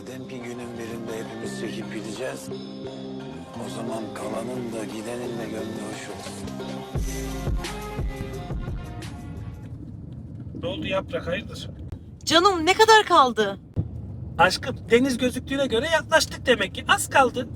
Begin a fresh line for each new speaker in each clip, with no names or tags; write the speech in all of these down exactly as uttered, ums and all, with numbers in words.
madem ki günün birinde hepimiz çekip gideceğiz, o zaman kalanın da gidenin de gönlü hoş olsun.
Ne oldu Yaprak, hayırdır?
Canım ne kadar kaldı?
Aşkım, deniz gözüktüğüne göre yaklaştık demek ki. Az kaldı.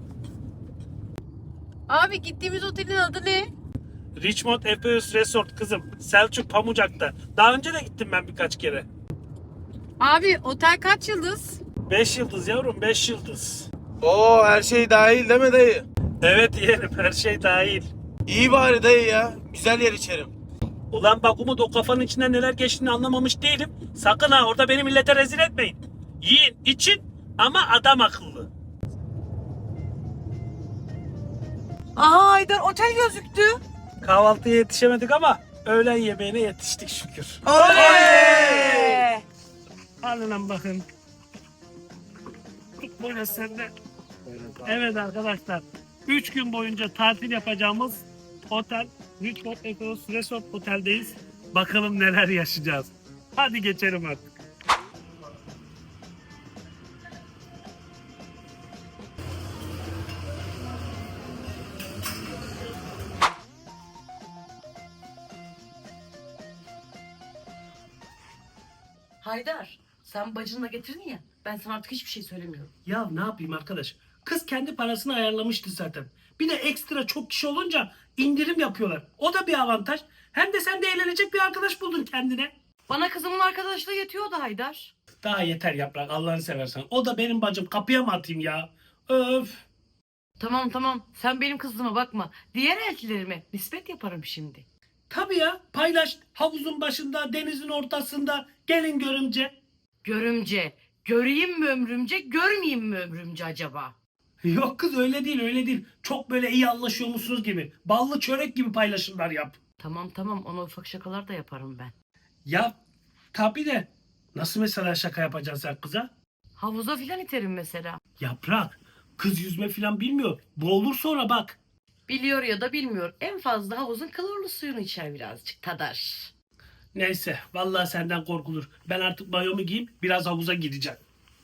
Abi gittiğimiz otelin adı ne?
Richmond Efeus Resort kızım. Selçuk Pamucak'ta. Daha önce de gittim ben birkaç kere.
Abi otel kaç yıldız?
Beş yıldız yavrum, beş yıldız.
Oo, her şey dahil değil mi dayı?
Evet yeğenim, her şey dahil.
İyi bari dayı ya. Güzel yer içerim.
Ulan bak Umut, o kafanın içinden neler geçtiğini anlamamış değilim. Sakın ha orada beni millete rezil etmeyin. Yiyin, için ama adam akıllı.
Aha Haydar otel gözüktü.
Kahvaltıya yetişemedik ama öğlen yemeğine yetiştik şükür.
Oley!
Alın bakın. Tut böyle sen de. Evet arkadaşlar. Üç gün boyunca tatil yapacağımız otel Richmond Efeus Resort Otel'deyiz. Bakalım neler yaşayacağız. Hadi geçelim artık.
Haydar, sen bacınla getirdin ya, ben sana artık hiçbir şey söylemiyorum.
Ya ne yapayım arkadaş? Kız kendi parasını ayarlamıştı zaten. Bir de ekstra çok kişi olunca indirim yapıyorlar. O da bir avantaj. Hem de sen de eğlenecek bir arkadaş buldun kendine.
Bana kızımın arkadaşlığı yetiyordu Haydar.
Daha yeter Yaprak, Allah'ını seversen. O da benim bacım, kapıya mı atayım ya? Öf.
Tamam tamam, sen benim kızıma bakma. Diğer eltilerime nispet yaparım şimdi.
Tabii ya, paylaş. Havuzun başında, denizin ortasında. Gelin görümce.
Görümce, göreyim mi ömrümce, görmeyeyim mi ömrümce acaba?
Yok kız, öyle değil öyle değil. Çok böyle iyi anlaşıyormuşsunuz gibi. Ballı çörek gibi paylaşımlar yap.
Tamam tamam, ona ufak şakalar da yaparım ben.
Ya tabii de nasıl mesela şaka yapacaksın sen kıza?
Havuza filan iterim mesela.
Yaprak, kız yüzme falan bilmiyor. Boğulur sonra bak.
Biliyor ya da bilmiyor. En fazla havuzun klorlu suyunu içer birazcık, tadar.
Neyse, vallahi senden korkulur. Ben artık mayomu giyeyim, biraz havuza gireceğim.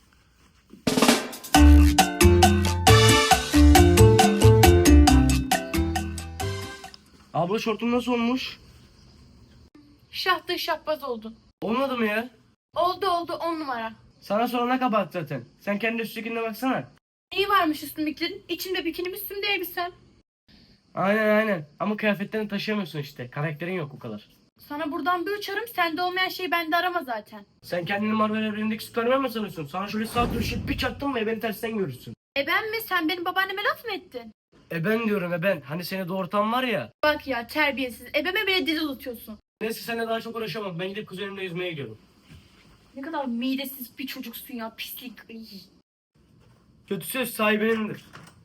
Abla şortun nasıl olmuş?
Şahtı şahbaz oldun.
Olmadı mı ya?
Oldu oldu on numara.
Sana sorana kabahat zaten. Sen kendi üstündekine baksana.
İyi varmış üstümdekilerin. İçimde bikinim üstümde elbisem.
Aynen aynen. Ama kıyafetlerini taşıyamıyorsun işte. Karakterin yok o kadar.
Sana buradan bir uçarım. Sende olmayan şeyi bende arama zaten.
Sen kendini Marvel evrenindeki Superman mi sanıyorsun? Sana şöyle sağ dönüşüp bir çaktın mı beni tersten görürsün.
E ben mi? Sen benim babaanneme laf mı ettin?
E ben diyorum e ben. Hani seni doğurtan var ya.
Bak ya terbiyesiz. Ebeme bile dil unutuyorsun.
Neyse seninle daha çok uğraşamam. Ben gidip kuzenimle yüzmeye gidiyorum.
Ne kadar midesiz bir çocuksun ya. Pislik. Iy.
Kötü söz sahibinindir.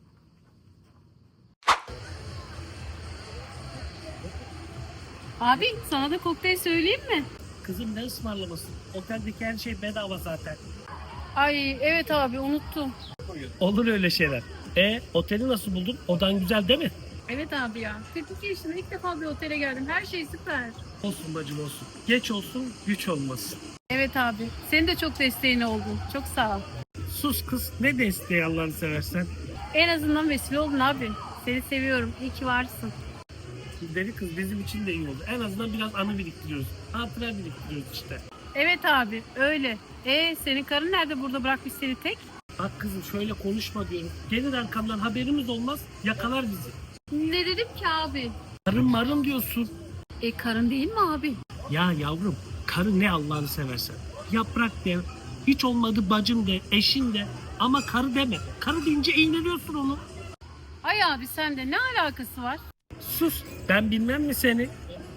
Abi sana da kokteyl söyleyeyim mi?
Kızım, ne ısmarlaması? Oteldeki her şey bedava zaten.
Ay evet abi unuttum.
Olur öyle şeyler. E oteli nasıl buldun? Odan güzel değil mi?
Evet abi ya. kırk iki yaşında ilk defa bir otele geldim. Her şey süper.
Olsun bacım olsun. Geç olsun, güç olmasın.
Evet abi. Senin de çok desteğin oldu. Çok sağ ol.
Sus kız, ne desteği Allah'ını seversen.
En azından vesile oldun abi. Seni seviyorum. İyi ki varsın.
Deli kız bizim için de iyi oldu. En azından biraz anı biriktiriyoruz. Hatıra biriktiriyoruz işte.
Evet abi öyle. E senin karın nerede, burada bırakmış seni tek?
Bak kızım, şöyle konuşma diyorum. Gelir arkamdan, haberimiz olmaz, yakalar bizi.
Ne dedim ki abi?
Karın marın diyorsun.
E karın değil mi abi?
Ya yavrum, karı ne Allah'ını seversen. Yaprak de, hiç olmadı bacım de, eşin de. Ama karı deme. Karı deyince iğneliyorsun onu.
Ay abi sende ne alakası var?
Sus, ben bilmem mi seni?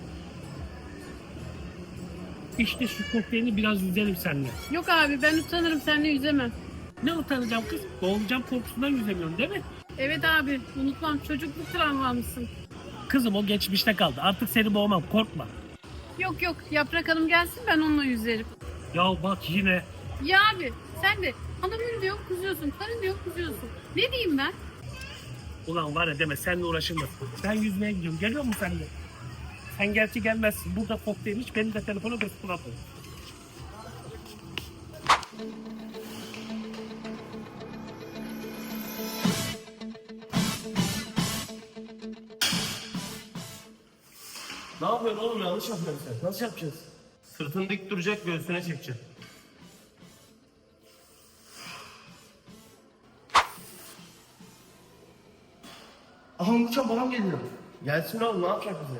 İşte şu kokteylini biraz yüzelim seninle.
Yok abi ben utanırım, seninle yüzemem.
Ne utanacağım kız? Boğulacağım korkusundan yüzemiyorum değil mi?
Evet abi unutmam, çocukluk travmamısın.
Kızım, o geçmişte kaldı. Artık seni boğmam, korkma.
Yok yok Yaprak Hanım gelsin, ben onunla yüzerim.
Ya bak yine.
Ya abi sen de hanımın diyor kızıyorsun, karın diyor kızıyorsun. Ne diyeyim ben?
Ulan var ya deme, seninle uğraşılmaz. Ben yüzmeye gidiyorum. Geliyor musun sen de? Sen gerçi gelmezsin. Burada kokteyl iç, benim de telefona götür atın.
Ne yapıyorsun oğlum, yanlış yapıyorsun sen. Nasıl yapacağız? Sırtın dik duracak, göğsüne çekeceksin. Aha uçan babam geliyor. Gelsin oğlum, ne yapacak bize?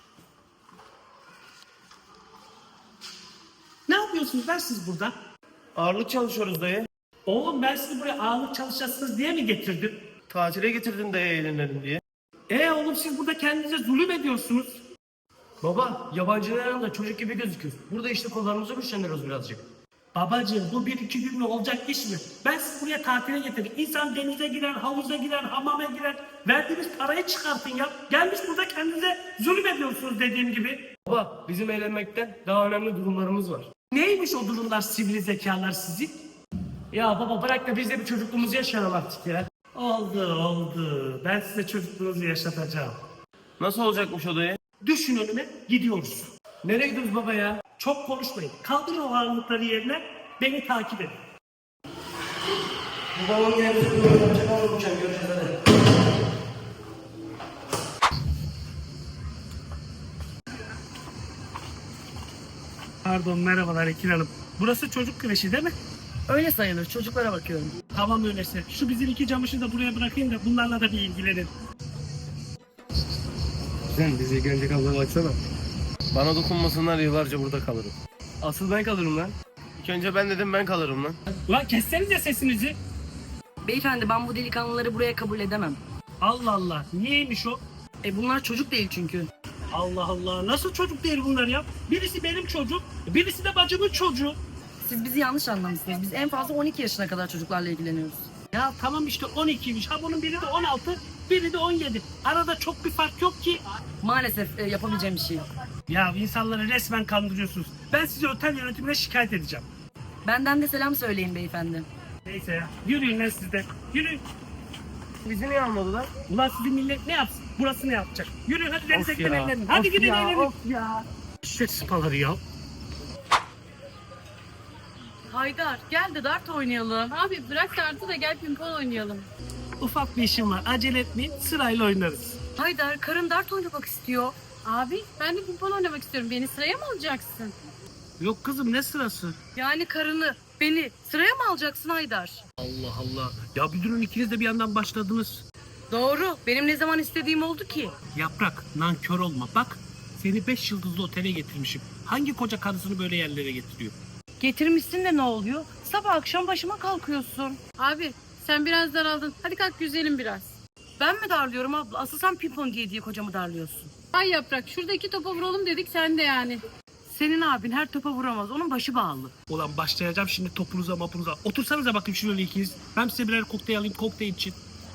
Ne yapıyorsunuz lan siz burada?
Ağırlık çalışıyoruz dayı.
Oğlum ben sizi buraya ağırlık çalışacaksınız diye mi getirdim?
Tatile getirdin dayı eğlenelim diye.
E oğlum siz burada kendinize zulüm ediyorsunuz.
Baba, yabancıların yanında çocuk gibi gözüküyoruz. Burada işte kollarımızı güçlendiriyoruz birazcık.
Babacığım bu bir iki günlük olacak iş mi? Ben sizi buraya tatile getirdim. İnsan denize girer, havuza girer, hamama girer. Verdiğiniz parayı çıkartın ya. Gelmiş burada kendinize zulüm ediyorsunuz dediğim gibi.
Baba, bizim eğlenmekten daha önemli durumlarımız var.
Neymiş o durumlar sivri zekalar sizin?
Ya baba bırak da biz de bir çocukluğumuzu yaşayalım artık ya.
Oldu oldu. Ben size çocukluğunuzu yaşatacağım.
Nasıl olacakmış o dayı?
Düşün önüme gidiyoruz.
Nereye gidiyoruz baba ya?
Çok konuşmayın. Kaldırın o ağırlıkları yerine beni takip edin.
Bu babamın yerimizi kullanacak ama uçan göreceğiz hadi.
Pardon merhabalar Ekin Hanım. Burası çocuk kreşi değil mi?
Öyle sayılır. Çocuklara bakıyorum.
Tamam öyleyse. Şu bizim iki camışı da buraya bırakayım da bunlarla da bir ilgilenin.
Sen bizi ilgilenecek abla baksana. Bana dokunmasınlar, yıllarca burada kalırım. Asıl ben kalırım lan. İlk önce ben dedim, ben kalırım lan.
Ulan kessenize sesinizi.
Beyefendi ben bu delikanlıları buraya kabul edemem.
Allah Allah. Niyeymiş o?
E bunlar çocuk değil çünkü.
Allah Allah. Nasıl çocuk değil bunlar ya? Birisi benim çocuğum, birisi de bacımın çocuğu.
Siz bizi yanlış anlamışsınız. Biz en fazla on iki yaşına kadar çocuklarla ilgileniyoruz.
Ya tamam işte on ikiymiş. Ha bunun biri de on altı, biri de on yedi. Arada çok bir fark yok ki.
Maalesef e, yapabileceğim bir şey yok.
Ya insanları resmen kandırıyorsunuz. Ben sizi otel yönetimine şikayet edeceğim.
Benden de selam söyleyin beyefendi.
Neyse ya. Yürüyün lan siz de. Yürüyün.
Bizi niye almadılar?
Ulan sizin millet ne yapsın? Burası ne yapacak? Yürüyün hadi denize
Of
gidin
ya,
eğlenin. Hadi
of
gidin
ya,
eğlenin.
of ya.
Şu sıpaları ya.
Haydar gel de dart oynayalım.
Abi bırak dartı da gel pimpon oynayalım.
Ufak bir işim var. Acele etmeyin. Sırayla oynarız.
Haydar karın dart oynamak istiyor.
Abi ben de pimpon oynamak istiyorum. Beni sıraya mı alacaksın?
Yok kızım ne sırası?
Yani karını beni sıraya mı alacaksın Haydar?
Allah Allah. Ya bir durun ikiniz de bir yandan başladınız.
Doğru. Benim ne zaman istediğim oldu ki?
Yaprak nankör olma. Bak seni beş yıldızlı otele getirmişim. Hangi koca karısını böyle yerlere getiriyor?
Getirmişsin de ne oluyor? Sabah akşam başıma kalkıyorsun.
Abi sen biraz daraldın. Hadi kalk güzelim biraz.
Ben mi darlıyorum abla? Asıl sen pimpon diye diye kocamı darlıyorsun.
Ay yaprak şurada iki topa vuralım dedik sen de yani.
Senin abin her topa vuramaz. Onun başı bağlı.
Ulan başlayacağım şimdi topunuza mapunuza. Otursanıza bakayım şöyle ikiniz. Ben size birer kokteyl alayım kokteyl için.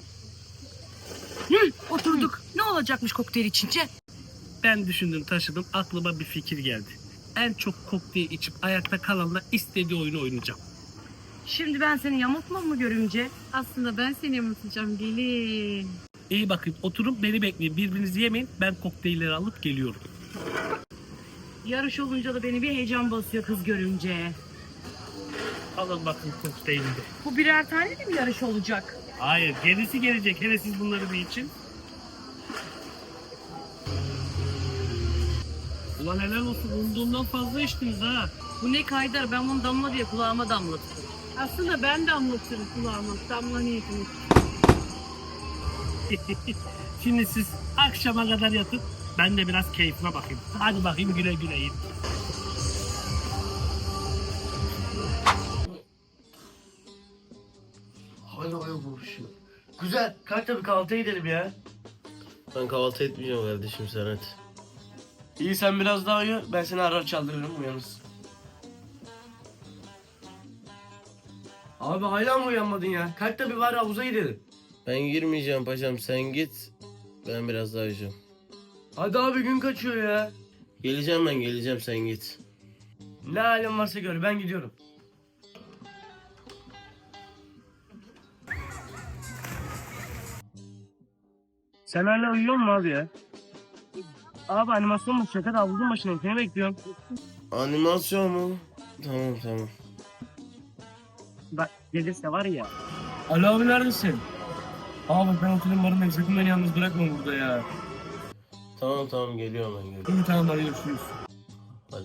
Hı, oturduk. Ne olacakmış kokteyl içince?
Ben düşündüm taşıdım aklıma bir fikir geldi. En çok kokteyl içip ayakta kalanla istediği oyunu oynayacağım.
Şimdi ben seni yamultmam mı görümce?
Aslında ben seni yumurtlayacağım gelin.
İyi bakın oturun beni bekleyin. Birbirinizi yemeyin ben kokteylleri alıp geliyorum.
Yarış olunca da beni bir heyecan basıyor kız görünce.
Alın bakın kokteyli de.
Bu birer tane de mi yarış olacak?
Hayır gerisi gelecek hele siz bunları bir için. Ulan helal olsun umduğumdan fazla içtiniz ha.
Bu ne Haydar? Ben bunu damla diye kulağıma damlattım.
Aslında ben de anlatırım kulağıma. Damla niyetini.
Şimdi siz akşama kadar yatıp ben de biraz keyfime bakayım. Hadi bakayım güle güle yiyin.
Hala hala vuruşuyor. Güzel. Kalk da bir kahvaltıya gidelim ya.
Ben kahvaltı etmeyeceğim kardeşim sen hadi.
İyi sen biraz daha uyu. Ben seni arar çaldırırım uyanırsın. Abi hala mı uyanmadın ya? Kalk da bir var havuza gidelim.
Ben girmeyeceğim paşam sen git. Ben biraz daha uyuyacağım.
Hadi abi gün kaçıyor ya.
Geleceğim ben geleceğim sen git.
Ne halin varsa gör ben gidiyorum. Sen hala uyuyor musun abi ya? Abi animasyon mu? Şaka da havuzun başına. Seni bekliyorum.
Animasyon mu? Tamam tamam.
Bak gelirse var ya. Ali abi neredesin? Abi ben otelin barındayım. Sakın beni yalnız bırakma burada ya.
Tamam tamam geliyorum ben geliyorum.
Bir tane daha görüşürüz.
Hadi.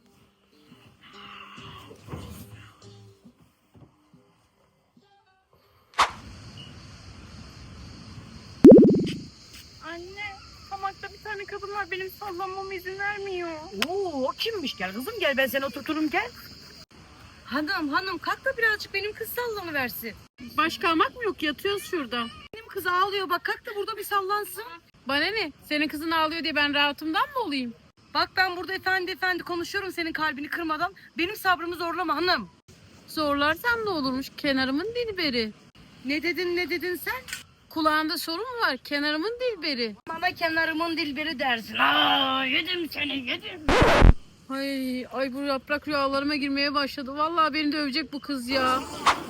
Anne, hamakta bir tane kadın var benim sallanmama izin vermiyor.
Oo, o kimmiş? Gel kızım gel, ben seni oturturum gel. Hanım hanım kalk da birazcık benim kız sallanıversin.
Başka hamak mı yok? Yatıyoruz şurada.
Benim kız ağlıyor bak, kalk da burada bir sallansın.
Bana ne? Senin kızın ağlıyor diye ben rahatımdan mı olayım?
Bak ben burada efendi efendi konuşuyorum senin kalbini kırmadan. Benim sabrımı zorlama hanım.
Zorlarsam ne olurmuş? Kenarımın dilberi.
Ne dedin ne dedin sen?
Kulağında sorun mu var? Kenarımın dilberi.
Bana kenarımın dilberi dersin. Aa, yedim seni yedim.
Ay, ay bu yaprak rüyalarıma girmeye başladı. Vallahi beni dövecek bu kız ya.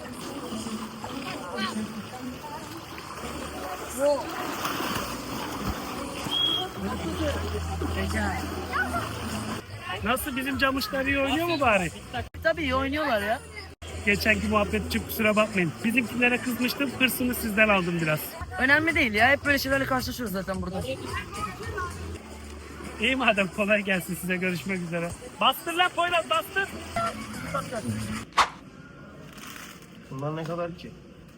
Nasıl, bizim camışlar iyi oynuyor mu bari?
Tabii iyi oynuyorlar ya.
Geçenki muhabbet için kusura bakmayın. Bizimkilere kızmıştım, hırsını sizden aldım biraz.
Önemli değil ya, hep böyle şeylerle karşılaşıyoruz zaten burada.
İyi madem, kolay gelsin size, görüşmek üzere. Bastır lan Poyraz, bastır.
Bunlar ne kadar ki?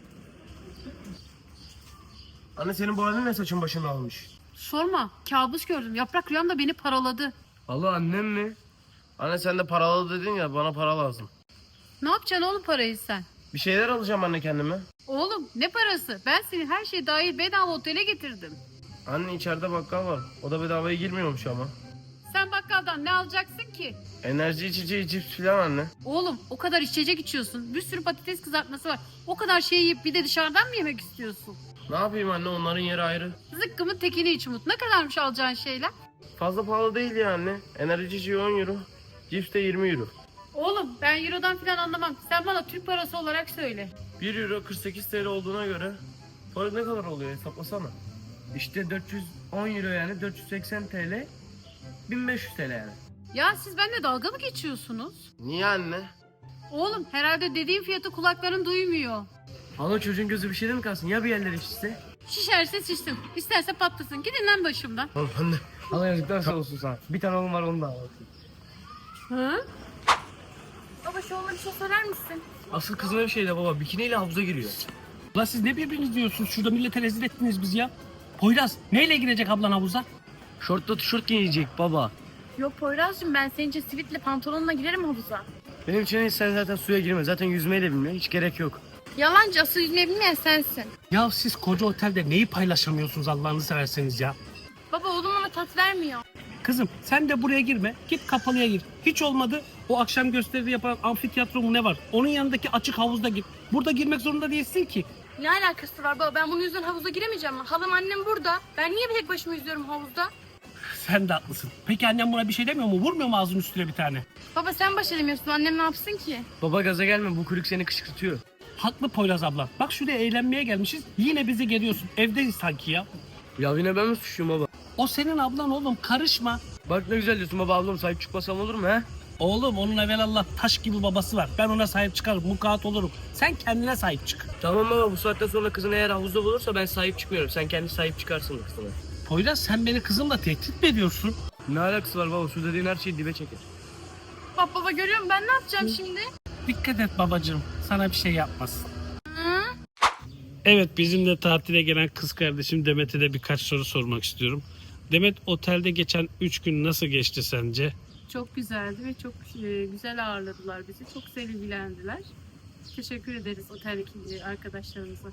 Anne senin bu halin ne, saçın başını almış?
Sorma, kabus gördüm. Yaprak rüyamda beni paraladı.
Allah, annem mi?
Anne sen de paralı dedin ya, bana para lazım.
Ne yapacaksın oğlum parayı sen?
Bir şeyler alacağım anne kendime.
Oğlum ne parası? Ben seni her şey dahil bedava otele getirdim.
Anne içeride bakkal var. O da bedavaya girmiyormuş ama.
Sen bakkaldan ne alacaksın ki?
Enerji içeceği, cips filan anne.
Oğlum o kadar içecek içiyorsun. Bir sürü patates kızartması var. O kadar şey yiyip bir de dışarıdan mı yemek istiyorsun?
Ne yapayım anne, onların yeri ayrı.
Zıkkımın tekini iç Umut. Ne kadarmış alacağın şeyler?
Fazla pahalı değil ya anne. Enerji içeceği on euro. Cips de yirmi euro.
Oğlum ben Euro'dan falan anlamam. Sen bana Türk parası olarak söyle.
bir euro kırk sekiz T L olduğuna göre para ne kadar oluyor, hesaplasana. İşte dört yüz on euro yani dört yüz seksen T L. bin beş yüz T L yani.
Ya siz benimle dalga mı geçiyorsunuz?
Niye anne?
Oğlum herhalde dediğim fiyatı kulakların duymuyor.
Ama çocuğun gözü bir şeyde mi kalsın? Ya bir yerleri şişse?
Şişerse şişsin. İsterse patlasın. Gidin lan başımdan.
Tamam anne. Allah yazıklar sağ olsun sana. Bir tane oğlum var, onu da al.
Hı? Baba şu oğluna bir şey söyler misin?
Asıl kızına bir şey de baba, bikiniyle havuza giriyor.
Ulan siz ne birbiriniz diyorsunuz? Şurada millete rezil ettiniz bizi ya. Poyraz, neyle girecek ablan havuza?
Şortla tişört giyecek baba.
Yok Poyraz'cığım ben senin için sivitle pantolonla girerim havuza.
Benim için hiç, sen zaten suya girme. Zaten yüzmeyi de bilmiyor. Hiç gerek yok.
Yalancı, asıl yüzmeyi bilmeyen sensin.
Ya siz koca otelde neyi paylaşamıyorsunuz Allah'ını severseniz ya?
Baba oğlum ona tat vermiyor.
Kızım sen de buraya girme. Git kapalıya gir. Hiç olmadı o akşam gösteride yapan amfiteyatro mu ne var? Onun yanındaki açık havuzda gir. Burada girmek zorunda değilsin ki.
Ne alakası var baba? Ben bunun yüzünden havuza giremeyeceğim. Halam annem burada. Ben niye tek başıma yüzüyorum havuzda?
Sen de haklısın. Peki annem buna bir şey demiyor mu? Vurmuyor mu ağzının üstüne bir tane?
Baba sen baş edemiyorsun. Annem ne yapsın ki?
Baba gaza gelme. Bu kulüp seni kışkırtıyor.
Haklı Poyraz abla. Bak şuraya eğlenmeye gelmişiz. Yine bizi geliyorsun. Evdeyiz sanki ya.
Ya yine ben mi suçluyum baba?
O senin ablan oğlum. Karışma.
Bak ne güzel diyorsun baba, ablam sahip çıkmasam olur mu he?
Oğlum onun evvelallah taş gibi babası var. Ben ona sahip çıkarım. Mukaat olurum. Sen kendine sahip çık.
Tamam baba, bu saatten sonra kızın eğer havuzda bulursa ben sahip çıkmıyorum. Sen kendi sahip çıkarsın kızına.
Poyraz sen beni kızımla tehdit mi ediyorsun?
Ne alakası var baba? Su dediğin her şeyi dibe çeker.
Baba baba görüyor musun? Ben ne yapacağım şimdi?
Dikkat et babacığım. Sana bir şey yapmaz.
Hı?
Evet, bizim de tatile gelen kız kardeşim Demet'e de birkaç soru sormak istiyorum. Demet, otelde geçen üç gün nasıl geçti sence?
Çok güzeldi ve çok e, güzel ağırladılar bizi. Çok sevgilendiler. Teşekkür ederiz oteldeki arkadaşlarımıza.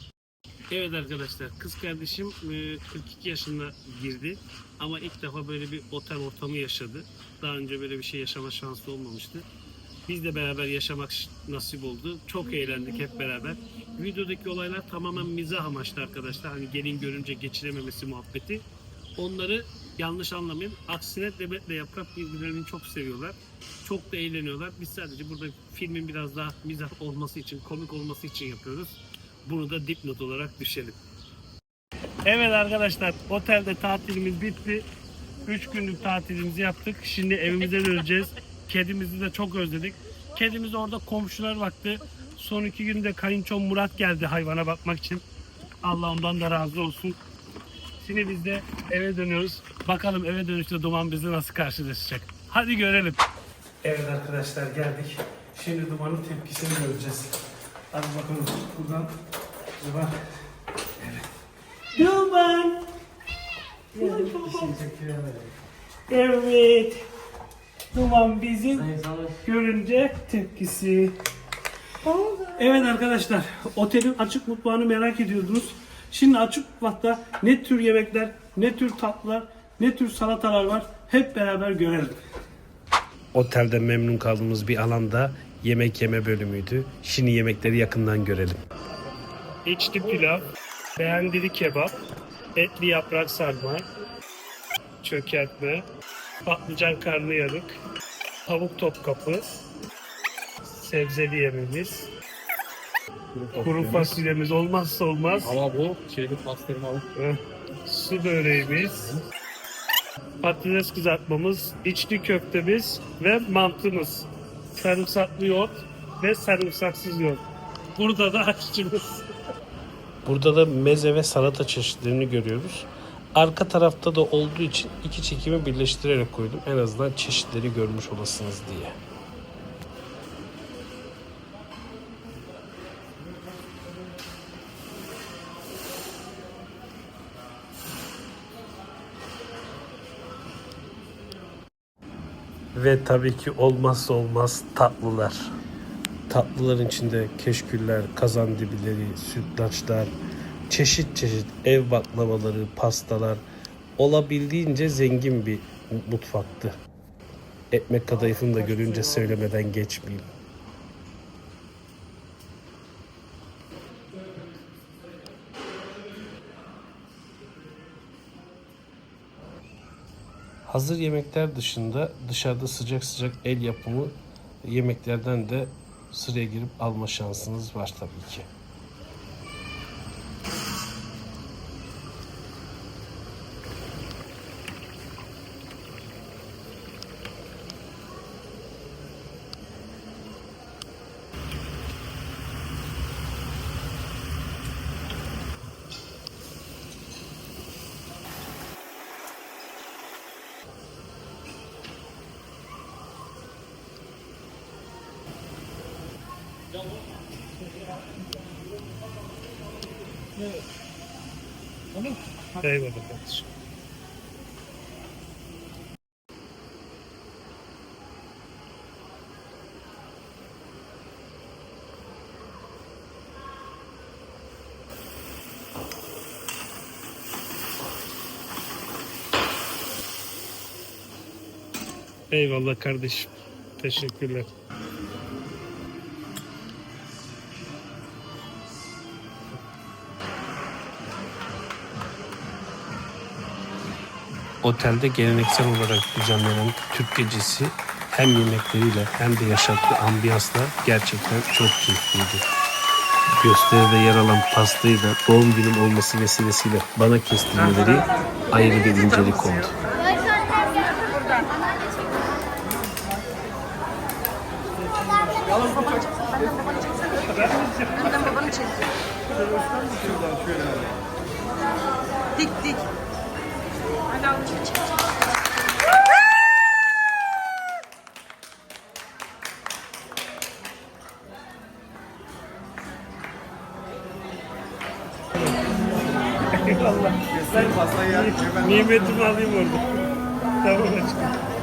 Evet arkadaşlar, kız kardeşim e, kırk iki yaşına girdi ama ilk defa böyle bir otel ortamı yaşadı. Daha önce böyle bir şey yaşama şansı olmamıştı. Biz de beraber yaşamak nasip oldu. Çok eğlendik hep beraber. Videodaki olaylar tamamen mizah amaçlı arkadaşlar. Hani gelin görünce geçirememesi muhabbeti. Onları yanlış anlamayın. Aksine Demet'le Yaprak birbirlerini çok seviyorlar. Çok da eğleniyorlar. Biz sadece burada filmin biraz daha mizah olması için, komik olması için yapıyoruz. Bunu da dipnot olarak düşelim. Evet arkadaşlar, otelde tatilimiz bitti. üç günlük tatilimizi yaptık. Şimdi evimize döneceğiz. Kedimizi de çok özledik. Kedimiz orada, komşular baktı. Son iki günde kayınçom Murat geldi hayvana bakmak için. Allah ondan da razı olsun. Şimdi biz de eve dönüyoruz. Bakalım eve dönüşte Duman bizi nasıl karşılaşacak. Hadi görelim. Evet arkadaşlar geldik. Şimdi Duman'ın tepkisini göreceğiz. Hadi bakalım buradan Duman. Evet. Duman! Evet. Duman bizim görünce tepkisi. Evet arkadaşlar, otelin açık mutfağını merak ediyordunuz. Şimdi açık mutfakta ne tür yemekler, ne tür tatlılar, ne tür salatalar var hep beraber görelim. Otelde memnun kaldığımız bir alanda yemek yeme bölümüydü. Şimdi yemekleri yakından görelim. İçli pilav, beğendili kebap, etli yaprak sarma, çökertme, patlıcan karnıyarık, tavuk topkapı, sebzeli yemeğimiz, kuru fasulyemiz olmazsa olmaz.
Ama bu şeyli pastırmalı.
Su böreğimiz, patates kızartmamız, içli köftemiz ve mantımız. Sarımsaklı yoğurt ve sarımsaksız yoğurt. Burada da aşçımız. Burada da meze ve salata çeşitlerini görüyoruz. Arka tarafta da olduğu için iki çekimi birleştirerek koydum. En azından çeşitleri görmüş olasınız diye. Ve tabii ki olmazsa olmaz tatlılar. Tatlıların içinde keşküller, kazandibileri, sütlaçlar, çeşit çeşit ev baklavaları, pastalar, olabildiğince zengin bir mutfaktı. Ekmek kadayıfını da görünce söylemeden geçmeyeyim. Hazır yemekler dışında dışarıda sıcak sıcak el yapımı yemeklerden de sıraya girip alma şansınız var tabii ki. Eyvallah kardeşim. Eyvallah kardeşim. Teşekkürler. Otelde geleneksel olarak düzenlenen Türk gecesi hem yemekleriyle hem de yaşattığı ambiyansla gerçekten çok keyifliydi. Gösteride yer alan pastayı da doğum günüm olması vesilesiyle bana kestirmeleri ayrı bir incelik oldu.
Önden babanı çek. Dik dik. Hadi al çek çek.
Eyvallah. Nimetimi alayım orada. Tamam aşkım.